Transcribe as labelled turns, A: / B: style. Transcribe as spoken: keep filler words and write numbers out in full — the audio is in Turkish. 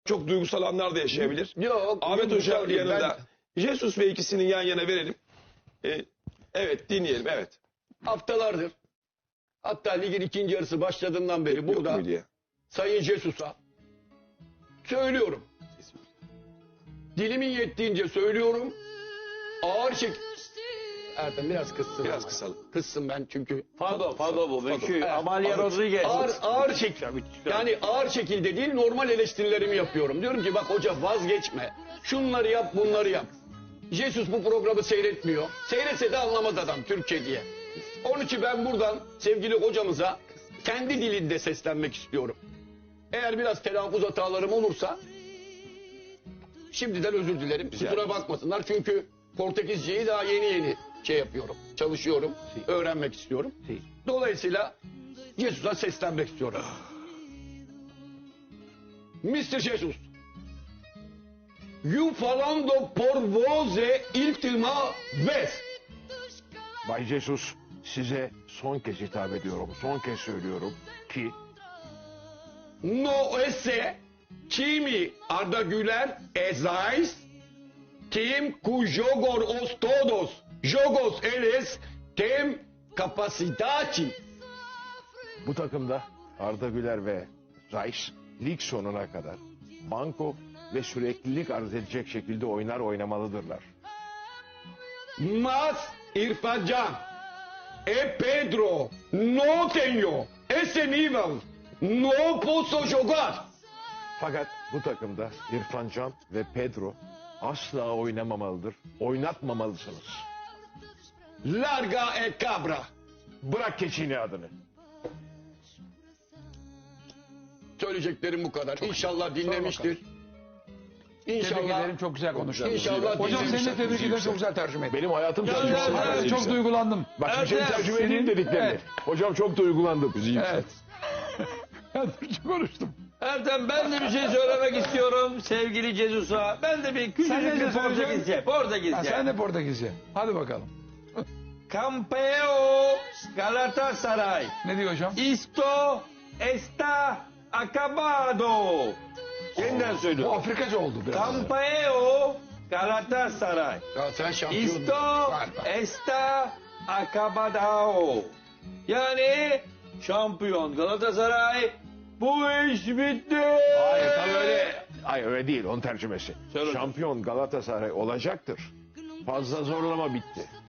A: çok duygusal anlar da yaşayabilir.
B: Yok.
A: Ahmet
B: duygusal
A: Hoca
B: değil.
A: yanında. Jesus ve ikisinin yan yana verelim. Ee, evet dinleyelim evet.
B: Ben haftalardır, hatta ligin ikinci yarısı başladığından beri
A: Yok
B: burada
A: muydu ya?
B: Sayın Jesus'a söylüyorum. Dilimin yettiğince söylüyorum. Ağır şek... Ertem biraz kıssın.
A: Biraz
B: ama.
A: kısalım.
B: Kıssın ben çünkü.
C: Fado, Fado bu.
A: Fado.
C: Meşhur.
B: Evet,
C: Amalia
B: ağır-
C: Rodriguez.
B: Ağır, ağır şekilde. Yani ağır şekilde değil, normal eleştirilerimi yapıyorum. Diyorum ki bak hoca vazgeçme. Şunları yap, bunları yap. Jesus bu programı seyretmiyor. Seyretse de anlamaz adam Türkçe diye. Onun için ben buradan sevgili hocamıza kendi dilinde seslenmek istiyorum. Eğer biraz telaffuz hatalarım olursa şimdiden özür dilerim.
A: Rica
B: Kusura
A: ederiz.
B: bakmasınlar çünkü Portekizceyi daha yeni yeni şey yapıyorum. Çalışıyorum, öğrenmek istiyorum. Dolayısıyla Jesus'a seslenmek istiyorum. mister Jesus, you falando por voce ultima vez.
D: Bay Jesus, size son kez hitap ediyorum. Son kez söylüyorum ki
B: No esse time Arda Güler esais tim cu jogor os todos jogos eles tem capacidade.
D: bu takımda Arda Güler ve Rice lig sonuna kadar banko ve süreklilik arz edecek şekilde oynar oynamalıdırlar.
B: Mas İrfan Can e Pedro no tenho esse nível, no posso jogar.
D: Fakat bu takımda İrfan Can ve Pedro asla oynamamalıdır. Oynatmamalısınız.
B: Larga e cabra.
D: Bırak keçini adını.
B: Söyleyeceklerim bu kadar. İnşallah dinlemiştir.
E: Tebrik
B: İnşallah.
E: ederim, çok güzel konuştun.
B: İnşallah
E: Hocam seni de
B: dinlemiştir.
E: tebrik ederim, çok güzel tercüme ettin.
D: Benim hayatım
C: Ya,
D: tercüme
C: ya,
D: edildi.
C: ya,
E: Evet, çok duygulandım.
D: Bak şimdi seni
C: Evet,
D: tercüme edeyim
E: senin-
D: dediklerini.
E: evet.
D: Hocam çok duygulandım.
E: Evet. Ben Türkçe konuştum.
C: Ertem ben de bir şey söylemek istiyorum sevgili Jesus'a. Ben de bir
E: Sen
C: küçücük
E: ne
C: bir
E: söyleyeceksin?
C: Portekizce. Portekizce.
E: Ha, sen de Portekizce. Hadi bakalım.
C: Campeo Galatasaray.
E: Ne diyor hocam?
C: Isto está acabado. Yeniden
E: Bu
C: söylüyorum.
E: Afrikaca oldu biraz.
C: Campeo Galatasaray.
B: Ya sen şampiyon.
C: Isto
B: Var, var.
C: está acabado. Yani şampiyon Galatasaray. Bu iş bitti.
D: Hayır tam öyle. Hayır öyle değil onun tercümesi.
C: Söyle.
D: Şampiyon Galatasaray olacaktır. Fazla zorlama bitti.